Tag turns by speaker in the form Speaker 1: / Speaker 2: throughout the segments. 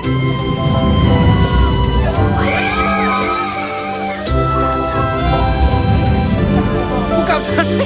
Speaker 1: กูกลับทัน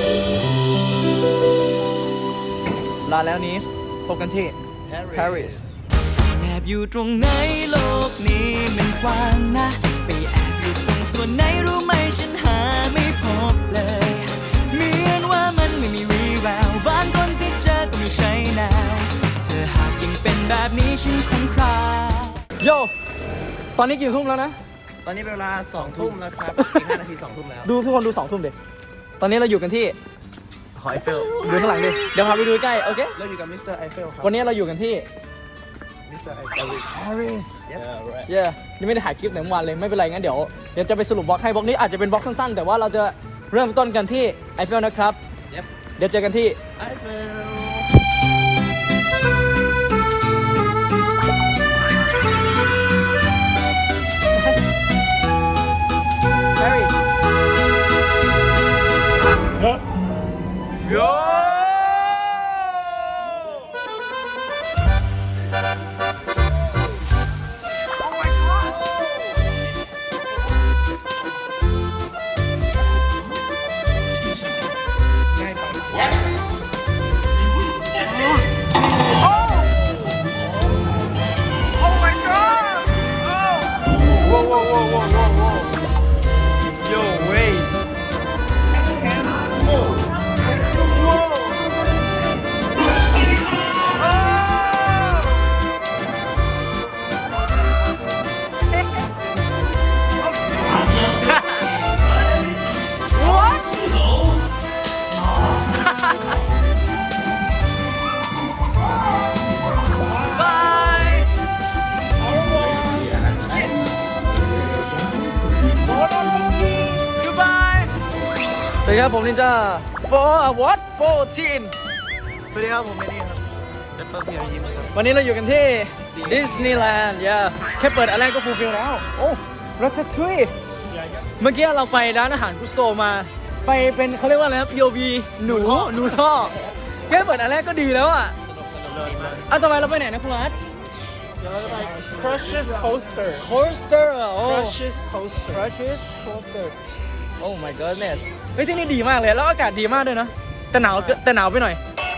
Speaker 1: ลาแล้วนี้พบกันที่ Paris
Speaker 2: แอบอยู่ตรงไหนโลกนี้มันกว้างนะไปแอบอยู่ตรงส่วนไหนรู้ไหมฉันหาไม่พบเลยเหมือนว่ามันไม่มีวี่แววบางคนที่เจอก็ไม่ใช่แนวเธอหากยังเป็นแบบนี้ฉันคงคลา
Speaker 1: โยตอนนี้กี่ทุ่มแล้วนะ
Speaker 3: ตอนนี้เป็นเวลา2 ทุ่มแล้วครับอีก5 นาที2 ทุ่มแล้ว
Speaker 1: ดูทุกคนดู2 ทุ่มดิตอนนี้เราอยู่กันที่
Speaker 3: หอไอเฟล
Speaker 1: ดูข้างหลังดิเดี๋ยวพาไปดูใกล้โอเค
Speaker 3: เราอยู่กับมิสเตอร์ไอเฟลครับ
Speaker 1: วันนี้เราอยู่กันที่
Speaker 3: มิสเตอร์ไอเฟล
Speaker 1: Paris เย้ยังไม่ได้ถ่ายคลิปไหนเมื่อวานเลยไม่เป็นไรงั้นเดี๋ยวจะไปสรุปบล็อกให้บล็อกนี้อาจจะเป็นบล็อกสั้นๆแต่ว่าเราจะเริ่มต้นกันที่ไอเฟลนะครับเดี๋ยวเจอกันที่
Speaker 3: ไอเฟล
Speaker 1: Paris โยสวัสดีครับผมนินจาwhat 14
Speaker 3: สวัสดีครับผมเมนี่ครับเดปเปอร์เพียร์ยิ้มครับ
Speaker 1: วันนี้เราอยู่กันที่ดิสนีย์แลนด์แค่เปิดอันแรกก็ฟูลฟิลแล้วโอ้รัตทุยเมื่อกี้เราไปร้านอาหารกุสโตมาไปเป็นเขาเรียกว่าอะไรนะ POV หนูท่อแค่เปิดอันแรกก็ดีแล้วอ่ะต่อไปเราไปไหนนะคุณอาร์ต
Speaker 3: Crushes Coaster
Speaker 1: Coaster โอ้
Speaker 3: Crushes Coaster
Speaker 1: Crushes Coaster Oh my goodness เฮ้ยที่นี่ดีมากเลยแล้วอากาศดีมากด้วยนะแต่หนาวไปหน่อย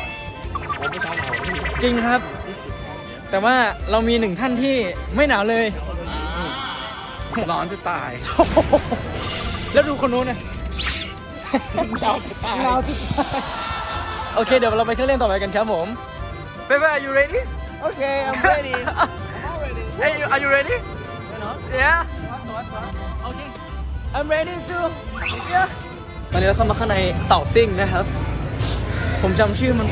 Speaker 1: จริงครับ แต่ว่าเรามีหนึ่งท่านที่ไม่หนาวเลย
Speaker 3: ร้อนจะตาย
Speaker 1: แล้วดูคนนู้นนะ
Speaker 3: หนาวจะตาย
Speaker 1: หนาวจะตายโอเคเดี๋ยวเราไปเครื่องเล่นต่อไปกันครับผมBaby are you ready
Speaker 3: Okay I'm ready
Speaker 1: Hey are you ready Yeah Okay I'm ready too Yeah ตอนนี้เราเข้ามาข้างในเต่าซิ่งนะครับผมจำชื่อมัน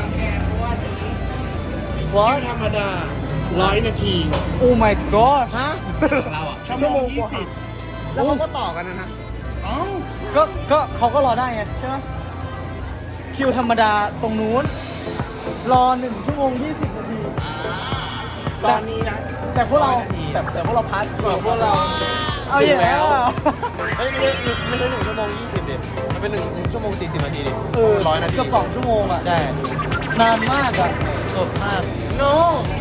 Speaker 1: What
Speaker 3: ธรรมดา100 นาที
Speaker 1: Oh my god
Speaker 3: ฮะเราอ่ะชั่วโมง20แล้วเขาก็ต่อกันนะ
Speaker 1: ก็เขาก็รอได้ไงใช่ไหมคิวธรรมดาตรงนู้นรอ1 ชั่วโมง 20 นาที
Speaker 3: ตอนนี้นะ
Speaker 1: แต่พวกเราแต่พวกเราพาสคิวพวกเราเอาอย่างแล้ว
Speaker 3: ไม่ใช่1 ชั่วโมง 20ดิมันเป็น1 ชั่วโมง 40 นาทีดิ 100 นาที
Speaker 1: เกือบ2 ชั่วโมงอ่ะ
Speaker 3: ใช่
Speaker 1: นานมากอ่ะ
Speaker 3: สดมาก
Speaker 1: No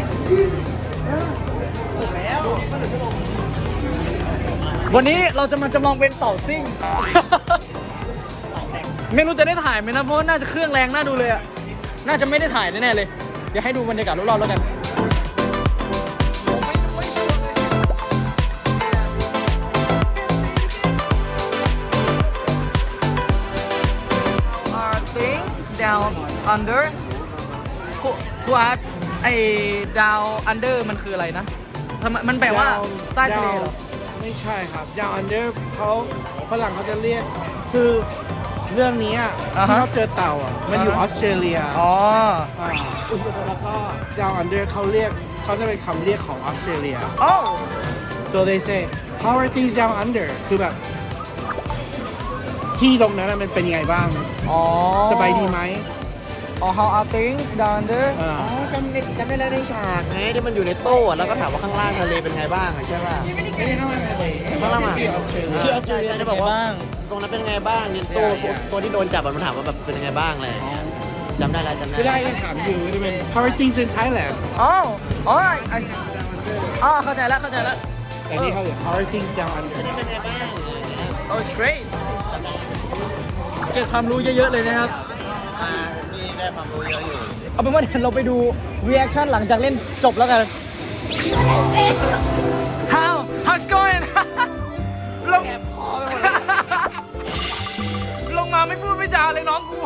Speaker 1: วันนี้เราจะมาจำลองเป็นเต่าซิ่ง ไม่รู้จะได้ถ่ายไหมนะเพราะว่าน่าจะเครื่องแรงน่าดูเลยอ่ะน่าจะไม่ได้ถ่ายแน่ๆเลยเดี๋ยวให้ดูบรรยากาศรอบๆแล้วกันdown under ผู้อาร์ตไอ้ down under มันคืออะไรนะทำไมมันแปลว่าใต้ทะเลเหรอ
Speaker 4: ไม่ใช่ครับดาวอันเดอร์เขาฝรั่งเขาจะเรียกคือเรื่องนี้อ่ะที่เขาเจอเต่าอ่ะมันอยู่ออสเตรเลีย
Speaker 1: อ๋อ
Speaker 4: แล้วก็ดาวอันเดอร์เขาจะเป็นคำเรียกของออสเตรเลีย
Speaker 1: oh
Speaker 4: so they say how are things down under คือแบบที่ตรงนั้นมันเป็นยังไงบ้าง
Speaker 1: อ๋อ
Speaker 4: สบายดีไหม
Speaker 1: อ๋อ how are things down under
Speaker 3: จำไม่ได้ในฉากไงที่มันอยู่ในโต๊ะแล้วก็ถามว่าข้างล่างทะเลเป็นไงบ้างใช่ป่ะ
Speaker 4: ไม่ได้เข้ามาเลย
Speaker 3: ข้างล่างอ่ะ
Speaker 4: ที่ออสเตรเลีย
Speaker 3: ที่ออสเตรเลียได้บอกว่าตรงนั้นเป็นไงบ้างนี่ตัวที่โดนจับมันถามว่าแบบเป็นยังไงบ้างอะไรอย่างเงี้ยจำได้แล้ว
Speaker 4: ไม่ได้ถามอยู่จะเป็น how are things in Thailand
Speaker 1: oh alright อ๋อเข้าใจแล้วเข้าใจแล้ว
Speaker 4: แต่นี่เขาอยู่ How things down under
Speaker 1: Oh it's great เก็บความรู้เยอะๆเลยนะครับ
Speaker 3: มีได้ความรู้เยอะอยู่
Speaker 1: เอาเป็นว่าเดี๋ยวเราไปดู reaction หลังจากเล่นจบแล้วกัน How's going ลงลงมาไม่พูดไม่จาเลยน้องกู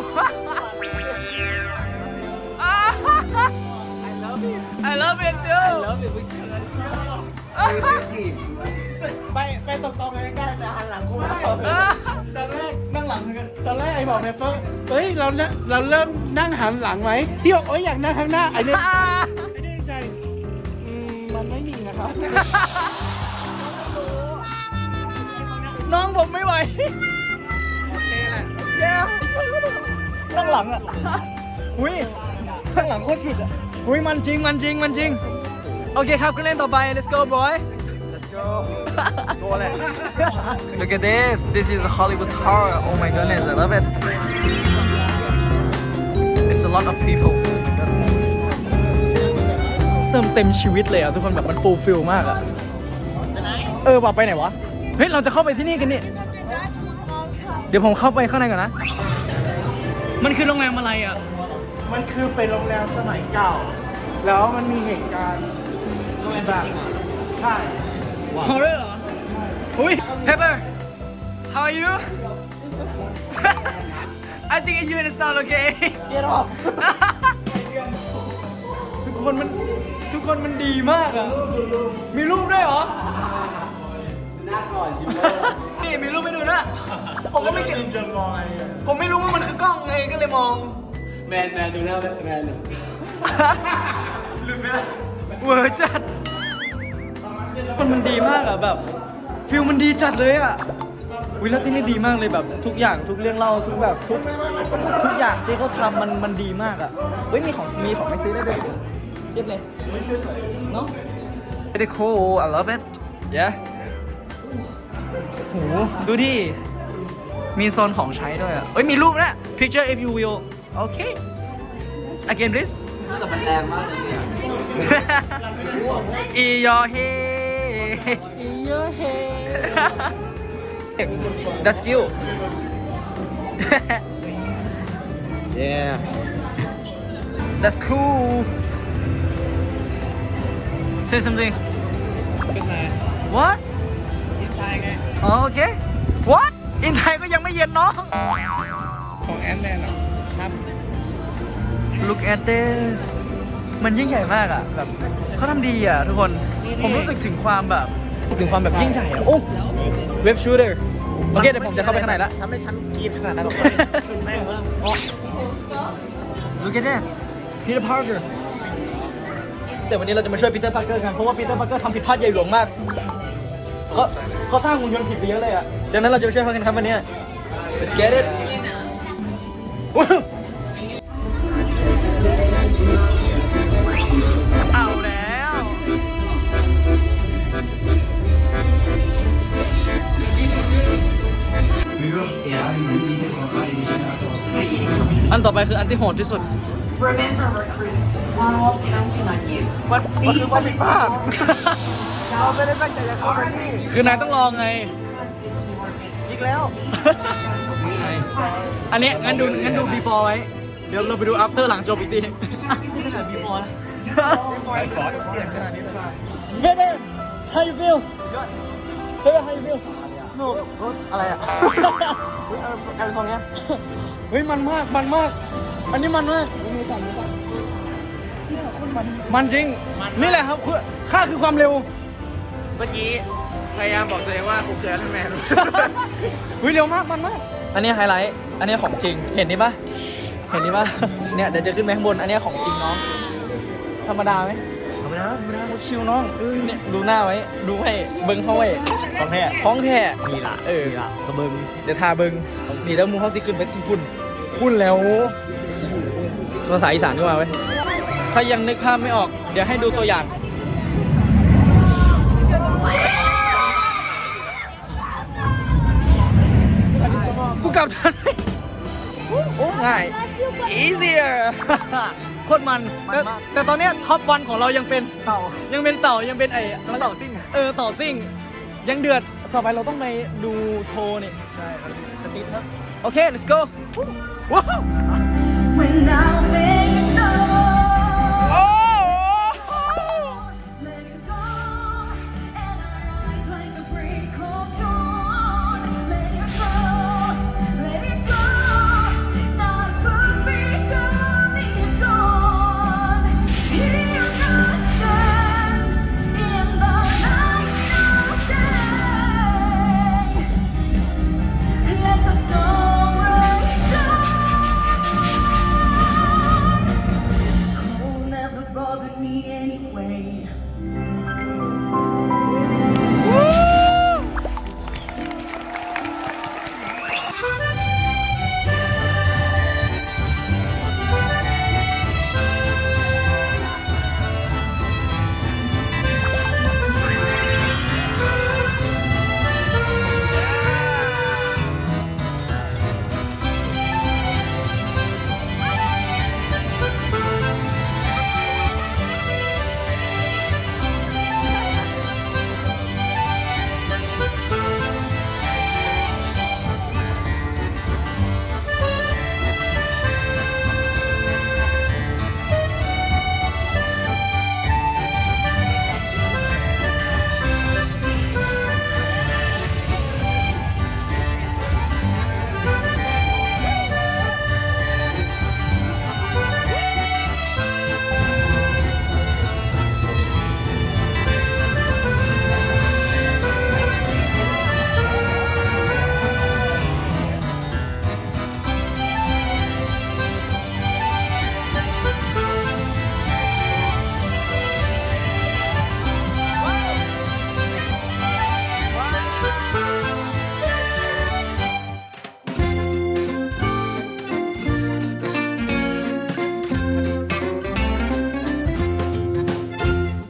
Speaker 1: I love it too
Speaker 3: ไปตรงๆเลยได้แต่หันหลังกูไม่ได้
Speaker 4: ตอนแรก
Speaker 1: นั่งหลังเหมือนกัน
Speaker 4: ตอนแรกไอ้บอกเนเปอร์เฮ้ยเราเริ่มนั่งหันหลังไหมที่บอกอยากนั่งข้างหน้าไอ้เนี่ยไอ้เนี่ยใจมันไม่มีนะครับ
Speaker 1: น้องผมไม่ไหว
Speaker 4: โอเคแหละ
Speaker 1: แย่นั่งหลังอ่ะอุ้ยนั่งหลังโคตรสุดอ่ะอุ้ยมันจริงมันจริงมันจริง โอเคครับขึ้นเล่นต่อไป let's go boy
Speaker 3: Let's go โกแหละ
Speaker 1: Look at this. This is a Hollywood Tower. Oh my goodness, I love it. It's a lot of people. เติมเต็มชีวิตเลยอ่ะทุกคนแบบมันฟูลฟิลมากอ่ะว่าไปไหนวะ เฮ้ยเราจะเข้าไปที่นี่กันนี่ เดี๋ยวผมเข้าไปข้างในก่อนนะ มันคือโรงแรมอะไรอ่ะ
Speaker 4: มันคือเป็นโรงแรมสมัยเก่า แล้วมันมีเหตุการณ์แบบใช่
Speaker 1: Horror เหรออุ้ย Pepper how are you I think you and it's not okay
Speaker 3: Get off
Speaker 1: ทุกคนมันดีมากอ่ะ มีรูปด้วยเหรอ
Speaker 3: หน้าก่อนยิ้ม
Speaker 1: นี่มีรูปให้ดูนะ ผมก็ไม่คิด
Speaker 4: จะมองอะไร
Speaker 1: ผมไม่รู้ว่ามันคือกล้องไงก็เลยมอง
Speaker 3: แมนดูหน้าแมน
Speaker 1: ลืมไปแล้วเวอร์จัดมันดีมากอ่ะแบบฟิลมันดีจัดเลยอ่ะวิแล้วที่นี่ดีมากเลยแบบทุกอย่างทุกเรื่องเล่าทุกแบบทุกอย่างที่เขาทำมันดีมากอ่ะเฮ้ยมีของให้ซื้อได้ด้วยเย็บเลยเนาะ Very cool I love it yeah โหดูดิมีโซนของใช้ด้วยอ่ะเฮ้ยมีรูปนะ picture if you will okay again please
Speaker 3: แต่มันแรงมากเลยเนี่ย
Speaker 1: อียอเฮ That's cute
Speaker 3: Yeah
Speaker 1: That's cool Say something
Speaker 4: เป็นไง
Speaker 1: What
Speaker 4: ที่ไทยไง
Speaker 1: อ๋อโอเค What อินไทยก็ยังไม่เย็นน้อง
Speaker 4: ของแอนแมนเหรอครับ
Speaker 1: Look at this มันยิ่งใหญ่มากอ่ะแบบเขาทำดีอ่ะทุกคน ผมรู้สึกถึงความแบบยิ่งใหญ่อ่ะ โอ้เว็บชูเตอร์โอเคเดี๋ยวผมจะเข้าไปข้างในละ
Speaker 3: ทำให้ฉันกรีดขนาดนั้นหรอก
Speaker 1: Look at that Peter Parker แต่วันนี้เราจะมาช่วย Peter Parker กันเพราะว่า Peter Parker ทำผิดพลาดใหญ่หลวงมากเขาสร้างหุ่นยนต์ผิดไปเยอะเลยอ่ะดังนั้นเราจะไปช่วยเขากันครับวันนี้ Let's get it เอาแล้วอันต่อไปคืออันที่โหดที่สุด
Speaker 5: Remember, recruits, we're all counting on you.
Speaker 1: มันคือความผิดพลาด
Speaker 3: ไม่ได้ตั้งใจจะเข้าไปนี่
Speaker 1: คือนายต้องลองไง
Speaker 3: อีกแล้ว
Speaker 1: อันนี้งั้นดู before ไว้ เดี๋ยวเราไปดู after หลังจบอีกที before นะ
Speaker 3: เดือดขนาดนี้เลย
Speaker 1: Baby how you feel Baby how you feel
Speaker 3: สนุกอะไรอ่ะการเป็นซองเนี้ย
Speaker 1: เฮ้ยมันมาก อันนี้มันมากมันจริง นี่แหละครับค่าคือความเร็ว
Speaker 3: เมื่อกี้พยายามบอกตัวเองว่ากูคือแอนแมน
Speaker 1: วิเร็วมากมันมาก อันนี้ไฮไลท์ อันนี้ของจริง เห็นนี่ปะเนี่ยเดี๋ยวจะขึ้นไปข้างบน อันนี้ของจริงน้อง ธรรมดาไหมธรรมดาชิวน้องเนี่ยดูหน้าไว้ ดูให้เบิ้งเข้าไว้ของแท้นี่ล่ะทาเบิ้งเดี๋ยวทาเบิ้งนี่แล้วมูเขาสิขึ้นไปที่พุ่นแล้วภาษาอีสานก็มาไว้ ถ้ายังนึกภาพไม่ออก เดี๋ยวให้ดูตัวอย่าง กูกลับทันโอ้ง่าย easier โคตรมันแต่ตอนเนี้ยท็อปวันของเรายังเป็นเต่ายังเป็นไอ้
Speaker 3: เต่าซิ่ง
Speaker 1: เต่าซิ่งยังเดือดต่อไปเราต้องไปดูโชว์นี่
Speaker 3: ใช่ครับสติ๊กครับ
Speaker 1: โอเค let's go ว้าว
Speaker 2: When I feel